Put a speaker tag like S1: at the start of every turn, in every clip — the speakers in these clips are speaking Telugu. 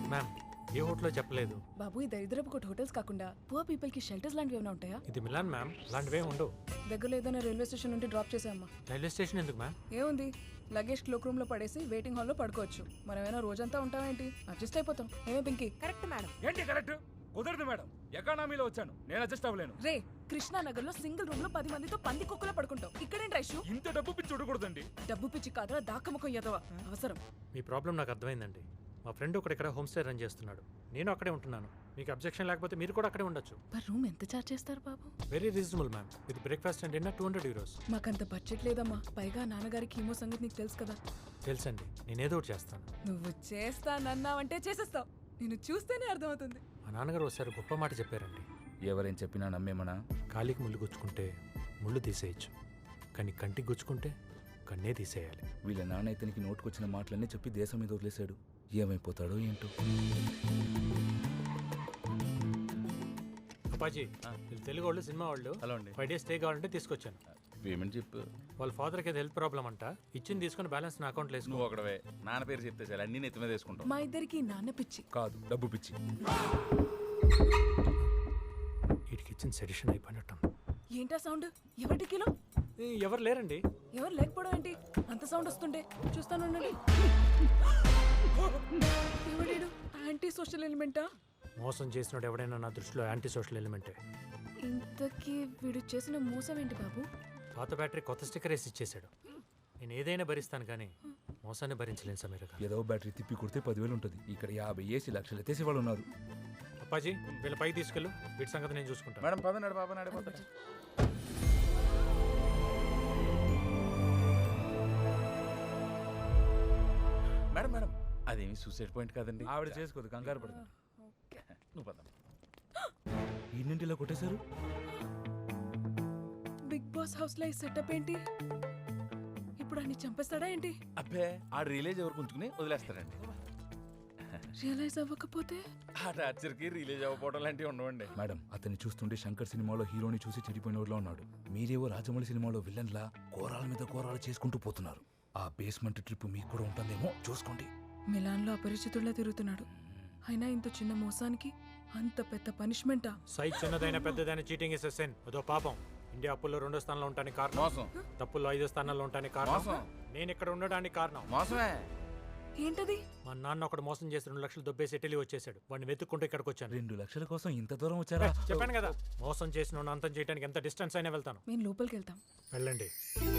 S1: మ్యామ్ ఏ హోటల్లో చెప్పలేదు.
S2: బాబు ఈ దరిద్రపు కొట్టు హోటల్స్ కాకుండా పువర్ పీపుల్ కి షెల్టర్స్ లాంటివి ఏమైనా ఉంటాయా?
S1: ఇది మిలాన్ మ్యామ్, అలాంటివే ఉండవు.
S2: దగ్గరలో ఏదైనా రైల్వే స్టేషన్ నుండి డ్రాప్ చేసామ్మా.
S1: రైల్వే స్టేషన్ ఎందుకు మ్యామ్?
S2: ఏముంది, లగేజ్ క్లోక్ రూమ్ లో పడేసి వెయిటింగ్ హాల్ లో పడుకోవచ్చు. మనమేనా రోజంతా ఉంటామేంటి? అడ్జస్ట్ అయిపోతాం. ఏమే పింకీ?
S3: Correct madam.
S4: ఏంటి కరెక్ట్? కుదరదు మేడం, ఎకానమీలో వచ్చాను, నేను అడ్జస్ట్ అవ్వలేను.
S2: రే, కృష్ణానగర్ లో సింగిల్ రూమ్ లో 10 మందితో పంది కుక్కలో పడుకుంటాం. ఇక్కడేంటి రైషు?
S4: ఇంత డబ్బు పిచ్చి చూడకూడదండి.
S2: డబ్బు పిచ్చి కాదురా, దాక్కముఖం ఎదవ అవసరం.
S1: మీ ప్రాబ్లం నాకు అర్థమైందండి. మా ఫ్రెండ్ ఒకటి ఇక్కడ హోమ్ స్టే రన్ చేస్తున్నాడు, నేను అక్కడే ఉంటున్నాను. మీకు అబ్జెక్షన్ లేకపోతే మీరు కూడా అక్కడే ఉండొచ్చు.
S2: పర్ రూమ్ ఎంత చార్జ్ చేస్తారు బాబు?
S1: Very reasonable ma'am, with breakfast and dinner 200 euros.
S2: మాకంత బడ్జెట్ లేదమ్మా. పైగా నాన్నగారికి కీమో సంగతి నీకు తెలుసు కదా.
S1: తెలుసండి, నేనేదో ఒకటి చేస్తాను.
S2: నువ్వు చేస్తానన్నావంటే చేసేస్తావు. నేను చూస్తేనే అర్థమవుతుంది.
S1: మా నాన్నగారు ఒకసారి గొప్ప మాట చెప్పారండి.
S4: ఎవరేం చెప్పినా నమ్మేమనా?
S1: కాలికి ముళ్ళు గుచ్చుకుంటే ముళ్ళు తీసేయచ్చు, కానీ కంటికి గుచ్చుకుంటే కన్నే తీసేయాలి.
S4: వీళ్ళ నాన్న ఇతనికి నోటుకొచ్చిన మాటలన్నీ చెప్పి దేశం మీద వదిలేశాడు. ఏమైపోతాడో ఏంటో.
S1: అప్పాజీ, వీళ్ళు తెలుగు వాళ్ళు, సినిమా వాళ్ళు.
S4: హలో అండి.
S1: 5 days స్టే కావాలంటే తీసుకొచ్చాను.
S4: పేమెంట్ చెప్పు.
S1: వాళ్ళ ఫాదర్కి హెల్త్ ప్రాబ్లం అంట, ఇచ్చింది తీసుకుని బ్యాలెన్స్ నా అకౌంట్లో వేసుకో.
S4: నువ్వు ఒకడవే నాన్న పేరు చెప్తే చాలు, అన్ని నెత్తి మీద వేసుకుంటావు.
S2: మా ఇద్దరికి నాన్న పిచ్చి
S4: కాదు, డబ్బు పిచ్చి.
S1: వీటికి ఇచ్చిన సెడిషన్ అయిపోయినట్టు.
S2: ఏంటా సౌండ్? ఎవరి కిలో?
S1: ఎవరు లేరండి.
S2: ఎవరు లేకపోవడం ఏంటి? అంత సౌండ్ వస్తుంటే చూస్తాను. ఎవడేడు? యాంటీ సోషల్ ఎలిమెంటా?
S1: మోసం చేసినోడు ఎవడైనా నా దృష్టిలో యాంటీ సోషల్ ఎలిమెంటే.
S2: ఇంతకీ వీడు చేసిన మోసం ఏంటి బాబు?
S1: పాత బ్యాటరీ కొత్త స్టిక్కర్ వేసి ఇచ్చేసాడు. నేను ఏదైనా భరిస్తాను కానీ మోసాన్ని భరించలేను సమీర గారు.
S4: ఏదో బ్యాటరీ తిప్పి కొడితే 10,000 ఉంటుంది. ఇక్కడ 50 ఏసీ లక్షలు ఎత్తేసి వాళ్ళు ఉన్నారు.
S1: అప్పాజీ, వీళ్ళ పైకి తీసుకెళ్ళు, వీటి సంగతి నేను చూసుకుంటాను.
S4: మేడం పదనాడు బాబా నడిపోతా. మేడం మేడం, అదేమి సూసైడ్ పాయింట్ కాదండి. ఆవిడ చేసుకోదు, కంగారు పడుతుంది. నువ్వు పద. ఇన్నింటిలో కొట్టేశారు.
S2: బిగ్ బాస్ హౌస్ లో ఈ సెటప్ ఏంటి? ఇప్పుడు అన్ని చంపేస్తాడా ఏంటి?
S4: అబ్బే, ఆ రిలేజ్ ఎవరికి ఉంచుకుని వదిలేస్తారండి.
S2: రియలైజ్ అవ్వకపోతే?
S4: ఆ టార్చర్కి రిలీజ్ అవ్వకపోవడం లాంటివి ఉండవండి. మేడం, అతన్ని చూస్తుంటే శంకర్ సినిమాలో హీరోని చూసి చెడిపోయినోడ్లో ఉన్నాడు. మీరేవో రాజమౌళి సినిమాలో విలన్లా కోరాల మీద కోరాలు చేసుకుంటూ పోతున్నారు. ఆ బేస్మెంట్ ట్రిప్ మీకు కూడా ఉంటుందేమో, చూసుకోండి.
S2: మిలాన్ లో అపరిచితుల్లా తిరుగుతున్నాడు. అయినా ఇంత చిన్న మోసానికి అంత పెద్ద పనిష్మెంటా?
S1: సైజ్ చిన్నదైన పెద్దదైన చీటింగ్ ఇస్ సెన్. అదో పాపం. ఇండియా అప్పుల్లో 2వ స్థానంలో ఉంటానికి కారణం
S4: మోసం.
S1: తప్పుల్లో 5వ స్థానంలో ఉంటానికి కారణం
S4: మోసం.
S1: నేను ఇక్కడ ఉండడానికి కారణం
S4: మోసమే.
S2: ఏంటది?
S1: మా నాన్న ఒకడు మోసం చేసి 2 లక్షలు దొబ్బేసి ఇటలీ వచ్చేసాడు. వాడిని వెతుక్కుంటూ ఇక్కడికి వచ్చాను.
S4: 2 లక్షల కోసం ఇంత దూరం వచ్చారా?
S1: చెప్పాను కదా, మోసం చేసిన అంతం చేయడానికి ఎంత డిస్టెన్స్ అయినా వెళ్తాను.
S2: మేము లోపలికి వెళ్తాం.
S1: వెళ్ళండి.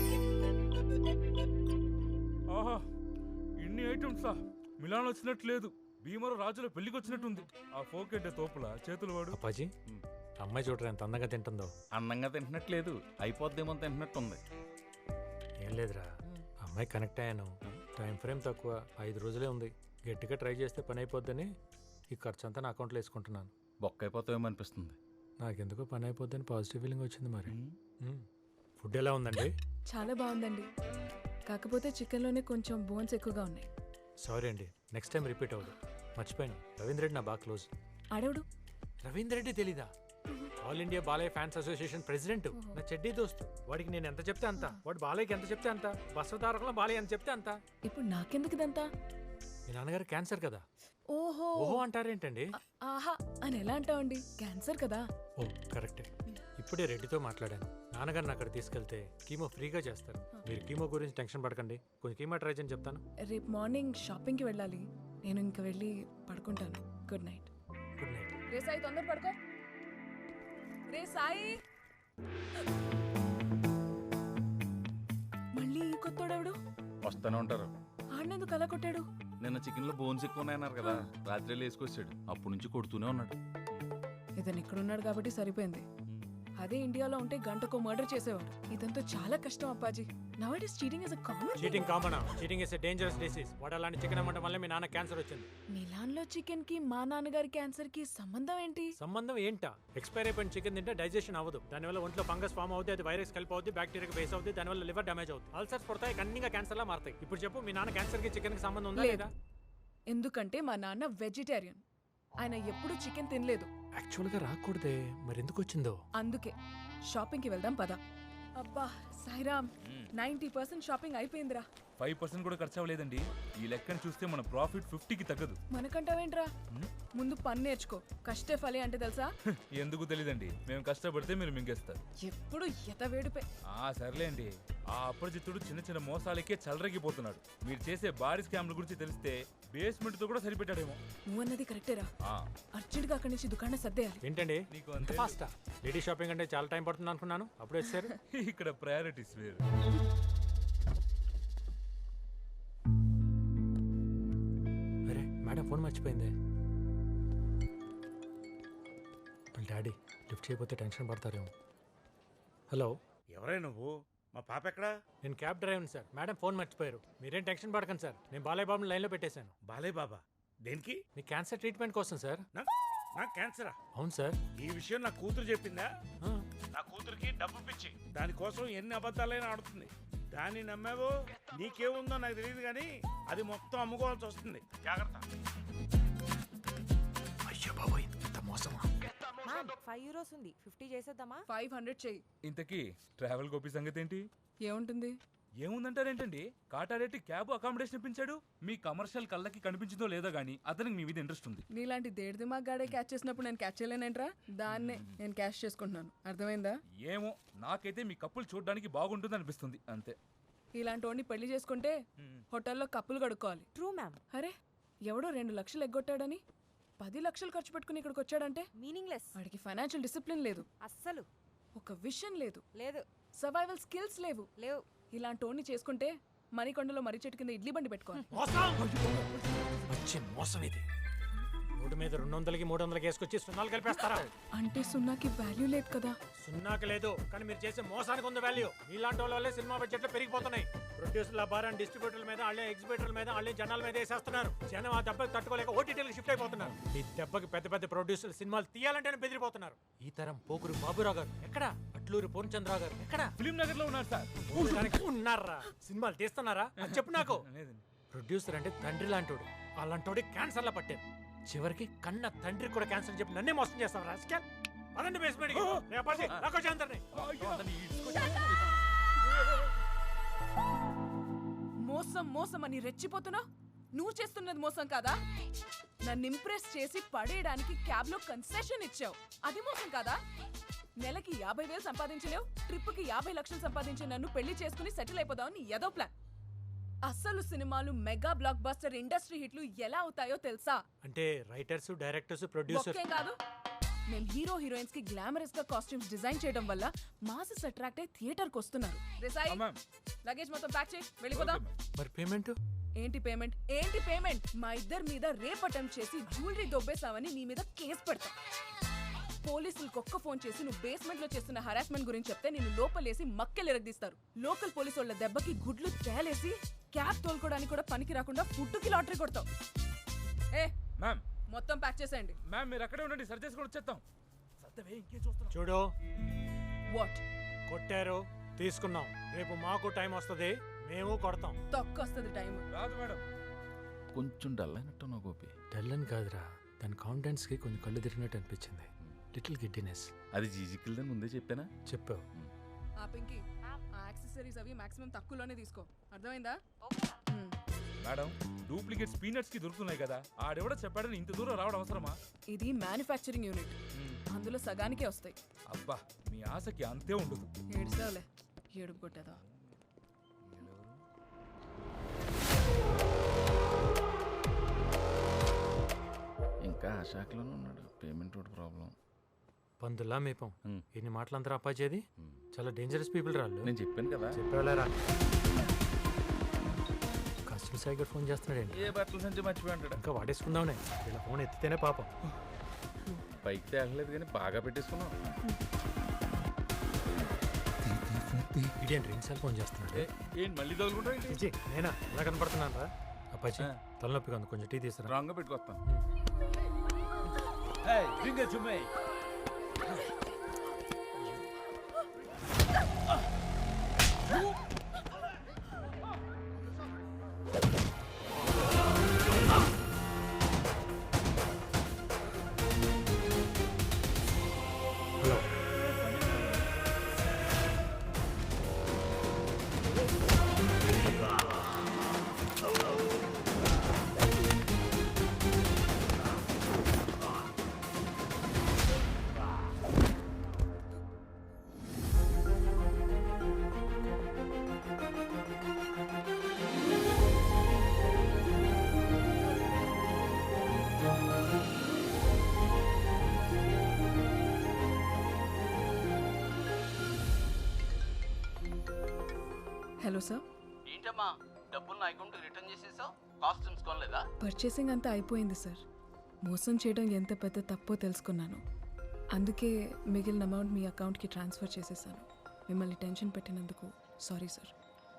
S4: ఆహా, ఇన్ని ఐటమ్సా? మిలాన్ వచ్చినట్టు లేదు, భీమరు రాజుల పెళ్లికి వచ్చినట్టుంది. ఆ ఫోకెడ్డ తోపుల చేతులు వాడు.
S1: అప్పాజీ, అమ్మాయి చూడరా ఎంత అందంగా తింటుందో.
S4: అందంగా తింటున్నట్లేదు, అయిపోద్దేమో తింటున్నట్టుంది.
S1: ఏం లేదురా, అమ్మాయి కనెక్ట్ అయ్యాను. టైం ఫ్రేమ్ తక్కువ, 5 రోజులే ఉంది. గట్టిగా ట్రై చేస్తే పని అయిపోద్దని ఈ ఖర్చు అంతా నా అకౌంట్లో వేసుకుంటున్నాను.
S4: బొక్క అయిపోతావేమో అనిపిస్తుంది.
S1: నాకెందుకో పని అయిపోద్దని పాజిటివ్ ఫీలింగ్ వచ్చింది. మరి ఫుడ్ ఎలా ఉందండి?
S2: చాలా బాగుందండి, కాకపోతే చికెన్ లోనే కొంచెం బోన్స్ ఎక్కువగా ఉన్నాయి.
S1: సారీ అండి, నెక్స్ట్ టైం రిపీట్ అవ్వదు. మర్చిపోయాను, రవీంద్ర రెడ్డి నా బాగా క్లోజ్.
S2: ఆడవుడు
S1: రవీంద్ర రెడ్డి తెలీదా? All India Balayya fans association president, నా చెడ్డీ దోస్తు. వాడికి నేను ఎంత చెప్తే అంత, వాడు బాలయ్యకి ఎంత చెప్తే అంత, బస్వతారకంలో బాలయ్య ఎంత చెప్తే అంత.
S2: ఇప్పుడు నాకెందుకు ఇదంతా?
S1: మీ నాన్నగారు క్యాన్సర్ కదా.
S2: ఓహో
S1: ఓహో అంటారేంటండి?
S2: ఆహా అని ఎలా అంటావండి, క్యాన్సర్ కదా.
S1: ఓ కరెక్టే. ఇప్పుడే రెడ్డితో మాట్లాడాను. నాన్నగారిని అక్కడ తీసుకెళ్తే కీమో ఫ్రీగా చేస్తారు. మీరు కీమో గురించి టెన్షన్ పడకండి, కొంచెం కీమో ట్రై చేయని చెప్తాను.
S2: రేపు మార్నింగ్ షాపింగ్కి వెళ్ళాలి, నేను ఇంకా వెళ్ళి పడుకుంటాను. Good night.
S1: Good night.
S2: రే సాయి, తొందర పడుకో. రే సాయి, మళ్ళీ ఈ కొత్తోడెవడు?
S4: వస్తూనే ఉంటారు.
S2: ఆడినందుకు అలా కొట్టాడు?
S4: నిన్న చికెన్ లో బోన్స్ ఎక్కువ ఉన్నాయన్నారు కదా, రాత్రి వేసుకొచ్చాడు. అప్పటి నుంచి కొడుతూనే ఉన్నాడు.
S2: ఇతను ఇక్కడున్నాడు కాబట్టి సరిపోయింది. అదే ఇండియాలో ఉంటే గంటకో మర్డర్ చేసేవాడు. ఇదంతా చాలా కష్టం అప్పాజీ. Nowadays cheating is a common.
S1: Cheating common? Cheating is a dangerous disease. వాడు అలాంటి చికెన్ అమ్మటం వల్ల మీ నాన్న క్యాన్సర్ వచ్చింది.
S2: మిలాన్ లో చికెన్ కి మా నాన్నగారి క్యాన్సర్ కి సంబంధం ఏంటి?
S1: సంబంధం ఏంటా? ఎక్స్పైర్ అయిపోయిన చికెన్ తింటే డైజెషన్ అవ్వదు. దానివల్ల ఒంట్లో ఫంగస్ ఫామ్ అవుతుంది, అది వైరస్ కలిపి అవుతుంది, బ్యాక్టీరియా బేస్ అవుతుంది, దానివల్ల లివర్ డ్యామేజ్ అవుతుంది, అల్సర్స్ పడతాయి, కన్నీగా క్యాన్సర్ లా మారుతాయి. ఇప్పుడు చెప్పు, మీ నాన్న క్యాన్సర్ కి చికెన్ కి సంబంధం ఉందా లేదా?
S2: ఎందుకంటే మా నాన్న వెజిటేరియన్, ఆయన ఎప్పుడు చికెన్ తినలేదు.
S1: యాక్చువల్ గా రాకూడదే, మరి ఎందుకు వచ్చిందో?
S2: అందుకే షాపింగ్ కి వెళ్దాం పద. అబ్బా సాయిరామ్, 90% షాపింగ్ అయిపోయిందిరా.
S4: 5% కూడా ఖర్చు అవ్వలేదండి. ఈ లెక్కను చూస్తే మన ప్రాఫిట్ 50కి తగ్గదు.
S2: మనకంటావేంట్రా? ముందు పని నేర్చుకో. కష్టే ఫలి అంటే తెలుసా?
S4: ఎందుకు తెలీదండి, మేము కష్టపడితే మీరు మింగేస్తారు.
S2: ఎప్పుడు ఎతవేడిపే.
S4: సర్లేండి. ఆ అప్రజిత్తుడు చిన్న చిన్న మోసాలకే చలరగిపోతున్నాడు. మీరు చేసే భారీ స్కామ్ల గురించి తెలిస్తే బేస్మెంట్ తో కూడా సరిపెట్టాడేమో.
S2: నువ్వన్నది కరెక్టేరా. అర్జెంట్ గా అక్కడి నుంచి దుకాణం సర్దేయాలి.
S1: ఏంటండి
S4: నీకు
S1: అంత ఫాస్టా? లేడీ షాపింగ్ అంటే చాలా టైం పడుతుంది అనుకున్నాను, అప్పుడు వచ్చారు.
S4: ఇక్కడ ప్రయారిటీస్ వేరు.
S1: అరే మేడం ఫోన్ మర్చిపోయింది. వాళ్ళ డాడీ లిఫ్ట్ చేయకపోతే టెన్షన్ పడతారేమో. హలో,
S3: ఎవరే నువ్వు? మా పాప ఎక్కడా?
S1: నేను క్యాబ్ డ్రైవర్ని సార్. మేడం ఫోన్ మర్చిపోయారు. మీరేం టెన్షన్ పడకండి సార్, నేను బాలయ్య బాబుని లైన్లో పెట్టేశాను.
S3: బాలయ్య బాబా? దేనికి?
S1: మీ క్యాన్సర్ ట్రీట్మెంట్ కోసం సార్.
S3: నాకు క్యాన్సరా?
S1: అవును సార్.
S3: ఈ విషయం నా కూతురు చెప్పిందా?
S1: ఆ,
S3: నా కూతురికి డబ్బు పిచ్చి, దానికోసం ఎన్ని అబద్ధాలైనా ఆడుతుంది. దాన్ని నమ్మావో నీకేముందో నాకు తెలియదు, కానీ అది మొత్తం అమ్ముకోవాల్సి వస్తుంది. జాగ్రత్త.
S1: అయ్యో బాబోయ్, ఇంత మోసమా?
S5: మ్యామ్ 5 euros ఉంది, 50 చేసేద్దామా?
S2: 500 చెయ్యి.
S4: ఇంతకీ ట్రావెల్ గోపి సంగతి ఏంటి?
S2: ఏముంటుంది?
S4: ఏముందంటారేంటండి? కాటారెడ్డి క్యాబ్ అకామిడేషన్ ఇప్పించాడు. మీ కమర్షియల్ కళ్ళకి కనిపించిందో లేదో గానీ అతనికి మీ మీద ఇంట్రెస్ట్ ఉంది.
S2: నీలాంటి దేడి దిమాగ్ గాడే క్యాచ్ చేసినప్పుడు నేను క్యాచ్ చేయలేనేంట్రా? దాన్నే నేను క్యాచ్ చేసుకుంటున్నాను. అర్థమైందా?
S4: ఏమో, నాకైతే మీ కప్పులు చూడడానికి బాగుంటుంది అనిపిస్తుంది అంతే.
S2: ఇలాంటి వాడిని పెళ్లి చేసుకుంటే హోటల్లో కప్పులు కడుక్కోవాలి.
S5: True ma'am.
S2: అరే ఎవడో 2 లక్షలు ఎగ్గొట్టాడని 10 లక్షలు ఖర్చు పెట్టుకుని ఇక్కడికి వచ్చాడంటే
S5: మీనింగ్లెస్.
S2: వాడికి ఫైనాన్షియల్ డిసిప్లిన్ లేదు,
S5: అస్సలు
S2: ఒక విషన్ లేదు,
S5: లేదు.
S2: సర్వైవల్ స్కిల్స్ లేవు.
S5: లేవు.
S2: ఇలాంటి వాడిని చేసుకుంటే మణికొండలో మర్రి చెట్టు కింద ఇడ్లీ బండి పెట్టుకోవాలి.
S1: మంచి మోసం ఇది. రోడ్డు మీద 200కి 300కి వేసుకొచ్చి సున్నాలు కలిపేస్తారా?
S2: అంటే సున్నాకి వాల్యూ లేదు కదా.
S1: సున్నాకి లేదు, కానీ మీరు చేసే మోసానికి ఉంది వాల్యూ. ఇలాంటి వాళ్ళ వల్లే సినిమా బడ్జెట్లు పెరిగిపోతున్నాయి. ప్రొడ్యూసర్ల భారాన్ని డిస్ట్రిబ్యూటర్ల మీద, వాళ్ళే ఎగ్జిబిటర్ల మీద, వాళ్ళే జనాల మీద వేసేస్తున్నారు. జనం ఆ దెబ్బకి తట్టుకోలేక ఓటీటీలకు షిఫ్ట్ అయిపోతున్నారు. ఈ దెబ్బకి పెద్ద పెద్ద ప్రొడ్యూసర్లు సినిమాలు తీయాలంటేనే బెదిరిపోతున్నారు. ఈ తరం పోకురు బాబురావు గారు ఎక్కడ? అట్లూరి పూర్ణచంద్రరావు గారు ఎక్కడ?
S4: ఫిలిం నగర్ లో ఉన్నారు సార్.
S1: ఉన్నారా? సినిమాలు తీస్తున్నారా అని చెప్పు నాకు. ప్రొడ్యూసర్ అంటే తండ్రి లాంటోడు, అలాంటోడి క్యాన్సర్ లా పట్టారు. చివరికి కన్న తండ్రి కూడా క్యాన్సర్ చెప్పి నన్నే మోసం చేస్తావు రాజకీయాలు. అదండి బేస్మెంట్
S2: మోసం మోసం అని రెచ్చిపోతున్నా. నువ్వు చేస్తున్నది మోసం కాదా? నన్ను ఇంప్రెస్ చేసి పడేయడానికి క్యాబ్ లో కన్సెషన్ ఇచ్చావు, అది మోసం కాదా? నెలకి 50,000 సంపాదించలేవు, ట్రిప్ కి 50 లక్షలు సంపాదించే నన్ను పెళ్లి చేసుకుని సెటిల్ అయిపోదామని ఏదో ప్లాన్. అసలు సినిమాలు మెగా బ్లాక్ బస్టర్ ఇండస్ట్రీ హిట్లు ఎలా అవుతాయో తెలుసా?
S1: అంటే రైటర్స్, డైరెక్టర్స్, ప్రొడ్యూసర్స్
S2: ఒక్కేం కాదు. మేము హీరో హీరోయిన్స్ కి గ్లామరస్ గా కాస్ట్యూమ్స్ డిజైన్ చేయడం వల్ల మాసెస్ అట్రాక్ట్ అయ్యి థియేటర్ కి వస్తున్నారు. రిసాయి, లగేజ్ మొత్తం ప్యాక్ చేయి, వెళ్ళిపోదాం.
S1: మరి పేమెంట్
S2: ఏంటి పేమెంట్? ఏంటి పేమెంట్? మా ఇద్దరి మీద రేప్ అటెంప్ట్ చేసి జ్యువెలరీ దొబ్బేసావని నీ మీద కేసు పెడతా. పోలీసులకు ఒక్క ఫోన్ చేసి నువ్వు బేస్మెంట్ లో చేస్తున్న హరాస్మెంట్ గురించి చెప్తే నిన్ను లోపలేసి మక్కెలు ఎరగదీస్తారు. లోకల్ పోలీసు వాళ్ళ దెబ్బకి గుడ్లు తేలేసి క్యాబ్ తోలుకోవడానికి కూడా పనికి రాకుండా ఫుడ్కి లాటరీ కొడతావు. ఏ
S4: మ్యామ్,
S2: మొత్తం ప్యాక్ చేసేయండి.
S4: మ్యామ్ మీరు అక్కడే ఉండండి, సరి చేసుకొని వచ్చేస్తాం. ఇంకేం చూస్తున్నాం?
S1: చూడు,
S2: వాట్
S1: కొట్టారు, తీసుకున్నాం. రేపు మాకు టైం వస్తుంది, మేము కొడతాం.
S2: తొక్కొస్తుంది టైం.
S4: రాదు మేడం. కొంచెం డల్ అయినట్టు నా గోపి.
S1: టెల్లన్ కాదురా, దాని కాన్ఫిడెన్స్ కి కొంచెం కళ్ళు తిరిగినట్టు అనిపించింది. Little giddiness.
S6: అది జీజికిల్దని ముందే చెప్పానా?
S1: చెప్పావు.
S2: ఆ పింకీ, ఆ యాక్సెసరీస్ అవి మాక్సిమం తక్కువలోనే తీసుకో, అర్థమైందా?
S4: మేడం, డూప్లికేట్స్ పీనట్స్ కి దొరుకుతున్నాయి కదా, ఆడెవడో చెప్పాడని ఇంత దూరం రావడం అవసరమా?
S2: ఇది మ్యానుఫ్యాక్చరింగ్ యూనిట్, అందులో సగానికే వస్తాయి.
S4: అబ్బా, మీ ఆశకి అంతే ఉండదు.
S2: ఏడుస్తావులే, ఏడుపు కొట్టేదా.
S6: ఇంకా ఆ శాఖలోనే ఉన్నాడు. Payment road problem.
S1: పందులా మేపం. ఎన్ని మాటలంతా అప్పాచేది. చాలా డేంజరస్ పీపుల్ రాళ్ళు.
S6: నేను చెప్పాను కదా.
S1: చెప్పేవాళ్ళరా? కస్టమర్ సైగర్ ఫోన్ చేస్తున్నాడండి.
S6: ఏ బట్టల సంచి మర్చిపోయి ఉంటాడు.
S1: ఇంకా వాడేసుకుందామనే, ఇలా ఫోన్ ఎత్తితేనే పాపం.
S6: పైకి తేగలేదు కానీ బాగా పెట్టేసుకున్నాం.
S1: ఇదేంటి రెండుసార్లు ఫోన్ చేస్తున్నాడు?
S6: ఏంటి మళ్ళీ తగులుకుంటా?
S1: నేనా ఎలా కనపడుతున్నాను రా? అప్పాచి తలనొప్పిగా ఉంది, కొంచెం టీ తీసుకురా.
S6: రాంగ్ గా పెట్టుకొస్తాను.
S2: Hello sir.
S7: ఏంటమ్మా డబ్బులు నా అకౌంట్ రిటర్న్ చేసేసావు? కాస్ట్యూమ్స్ కొనలేదా?
S2: పర్చేసింగ్ అంతా అయిపోయింది సార్. మోసం చేయడం ఎంత పెద్ద తప్పో తెలుసుకున్నాను. అందుకే మిగిలిన అమౌంట్ మీ అకౌంట్కి ట్రాన్స్ఫర్ చేసేసాను. మిమ్మల్ని టెన్షన్ పెట్టినందుకు సారీ సార్.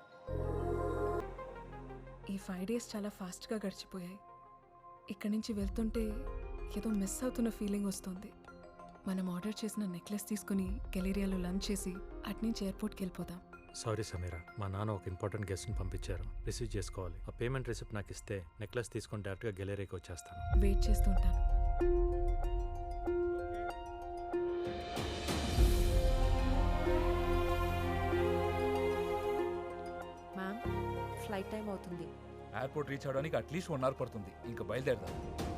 S2: ఈ 5 days చాలా ఫాస్ట్గా గడిచిపోయాయి. ఇక్కడి నుంచి వెళ్తుంటే ఏదో మిస్ అవుతున్న ఫీలింగ్ వస్తుంది. మనం ఆర్డర్ చేసిన నెక్లెస్ తీసుకుని గెలేరియాలో లంచ్ చేసి అట్నుంచి ఎయిర్పోర్ట్కి వెళ్ళిపోదాం.
S1: సారీ సమీరా, మా నాన్న ఒక ఇంపార్టెంట్ గెస్ట్ని పంపించారు, రిసీవ్ చేసుకోవాలి. ఆ పేమెంట్ రిసిప్ట్ నాకు ఇస్తే నెక్లెస్ తీసుకొని డైరెక్ట్గా గెలేరీకి వచ్చేస్తాను.
S2: వెయిట్ చేస్తుంటాను.
S5: మ్యామ్ ఫ్లైట్ టైం అవుతుంది.
S4: ఎయిర్పోర్ట్ రీచ్ అవడానికి అట్లీస్ట్ 1 hour పడుతుంది. ఇంకా బయలుదేరదాం.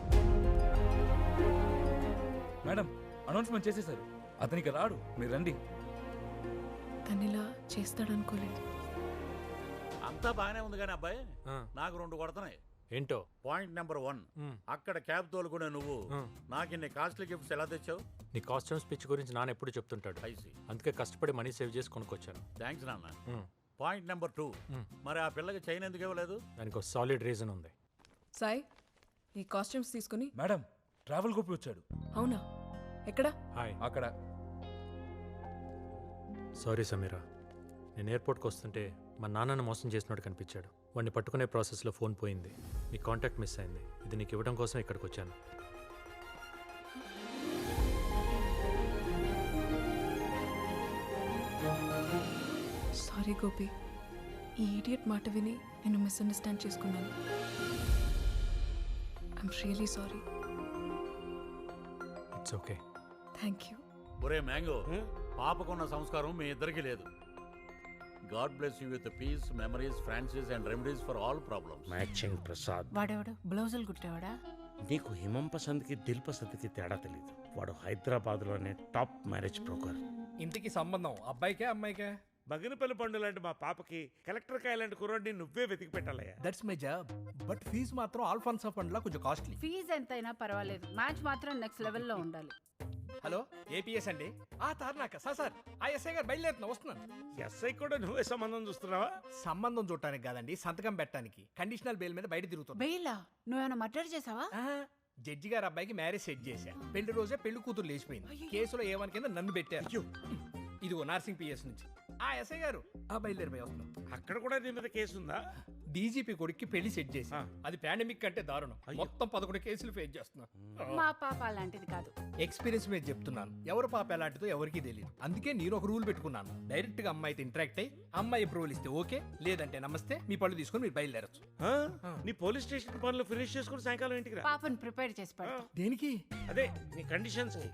S4: మేడం, అనౌన్స్మెంట్ చేసేసారు. అతనికి రాడు, మీరు రండి.
S2: తనిలా చేస్తాడనుకోలేదు.
S3: అంతా బాగానే ఉంది కానీ అబ్బాయి
S1: ఆ,
S3: నాకు 2 కొడుతున్నాయి.
S1: ఏంటో
S3: పాయింట్ నెంబర్ 1,
S1: మ్.
S3: అక్కడ క్యాబ్ తోలుకునే నువ్వు
S1: మ్.
S3: నాకు ఇన్ని కాస్ట్లీ గిఫ్ట్స్ ఎలా తెచ్చావు?
S1: నీ కాస్ట్యూమ్ స్పిచ్ గురించి నాన్న ఎప్పుడు చెప్తుంటాడు.
S3: ఐసి,
S1: అందుకే కష్టపడి మనీ సేవ్ చేసి కొనుక్కొచ్చాను.
S3: థ్యాంక్స్ నాన్న.
S1: మ్,
S3: పాయింట్ నెంబర్ 2,
S1: మ్.
S3: మరి ఆ పిల్లకి చైన్ ఎందుకు ఇవ్వలేదు?
S1: దానికి ఒక సాలిడ్ రీజన్ ఉంది.
S2: సాయి, ఈ కాస్ట్యూమ్స్ తీసుకుని.
S4: మేడం, ట్రావెల్ గోపి వచ్చాడు.
S2: అవునా? ఎక్కడ?
S1: హాయ్.
S4: అక్కడ.
S1: సారీ సమీరా, నేను ఎయిర్పోర్ట్కి వస్తుంటే మా నాన్నను మోసం చేసినట్టు కనిపించాడు. వాడిని పట్టుకునే ప్రాసెస్లో ఫోన్ పోయింది, నీ కాంటాక్ట్ మిస్ అయింది. ఇది నీకు ఇవ్వడం కోసం ఇక్కడికి వచ్చాను.
S2: సారీ గోపి, ఈ ఈడియట్ మాట విని నేను మిస్అండర్స్టాండ్ చేసుకున్నాను. I'm really sorry.
S1: It's okay.
S2: Thank you.
S3: ఒరే మ్యాంగో, పాపకున్న సంస్కారం మీ ఇద్దరికి లేదు. God bless you with peace, memories, Francis and remedies for all problems.
S8: Matching Prasad.
S9: వాడేవాడు బ్లౌజులు కుట్టేవాడా?
S8: నీకు హిమం పసంద్కి దిల్ పసంద్కి తేడా తెలియదు. వాడు హైదరాబాద్లోనే టాప్ మ్యారేజ్ బ్రోకర్.
S10: ఇంటికి సంబంధం అబ్బాయికే అమ్మాయికే?
S3: బగినపల్లి పండు లాంటి మా పాపకి కలెక్టర్ కాయ లాంటి కుర్రాడిని నువ్వే వెతికి పెట్టాలయ్యా.
S10: That's my job. But fee మాత్రం ఆల్ఫాన్సా ఫండ్ లా కొంచెం కాస్ట్లీ.
S9: ఫీజు ఎంతైనా పర్వాలేదు, మ్యాచ్ మాత్రం నెక్స్ట్ లెవెల్లో ఉండాలి.
S10: హలో, ఏపీఎస్ అండి. తారనాక సార్ ఆ ఎస్ఐ గారు బయలుదేరుతున్నా, వస్తున్నాను.
S3: ఎస్ఐ కూడా నువ్వే సంబంధం చూస్తున్నావా?
S10: సంబంధం చూడటానికి కాదండి, సంతకం పెట్టడానికి. కండిషనల్ బెయిల్ మీద బయట తిరుగుతుంది.
S9: బెయిలా? నువ్వేమైనా మర్డర్ చేసావా?
S10: జడ్జి గారు అబ్బాయికి మ్యారేజ్ సెట్ చేశా. పెళ్లి రోజే పెళ్లి కూతురు లేచిపోయింది. కేసులో ఏమని కింద నన్ను పెట్టారు. ఇదిగో నార్సింగ్ పిఎస్ నుంచి. ఆ ఎస్ఐ గారు బయలుదేరిపోయి వస్తున్నాం.
S3: అక్కడ కూడా నీ మీద కేసు ఉందా?
S10: డీజీపీ కొడుక్కి పెళ్లి సెట్ చేసి, అది పాండమిక్ కంటే దారుణం. మొత్తం 11 కేసులు ఫేస్ చేస్తున్నా.
S9: మా పాప అలాంటిది కాదు.
S10: ఎక్స్పీరియన్స్ మీద చెప్తున్నాను. ఎవరు పాప ఎలాంటిదో ఎవరికీ తెలియదు. అందుకే నేను ఒక రూల్ పెట్టుకున్నాను. డైరెక్ట్ గా అమ్మాయితో ఇంటరాక్ట్ అయ్యి అమ్మాయి అప్రూవల్ ఇస్తే ఓకే, లేదంటే నమస్తే, మీ పళ్ళు తీసుకొని మీరు బయలుదేరచ్చు.
S3: నీ పోలీస్ స్టేషన్ పనులు ఫినిష్ చేసుకుని సాయంకాలం ఇంటికి రా.
S9: పాపను ప్రిపేర్ చేసి పెడతా.
S10: దేనికి?
S3: అదే నీ కండిషన్స్.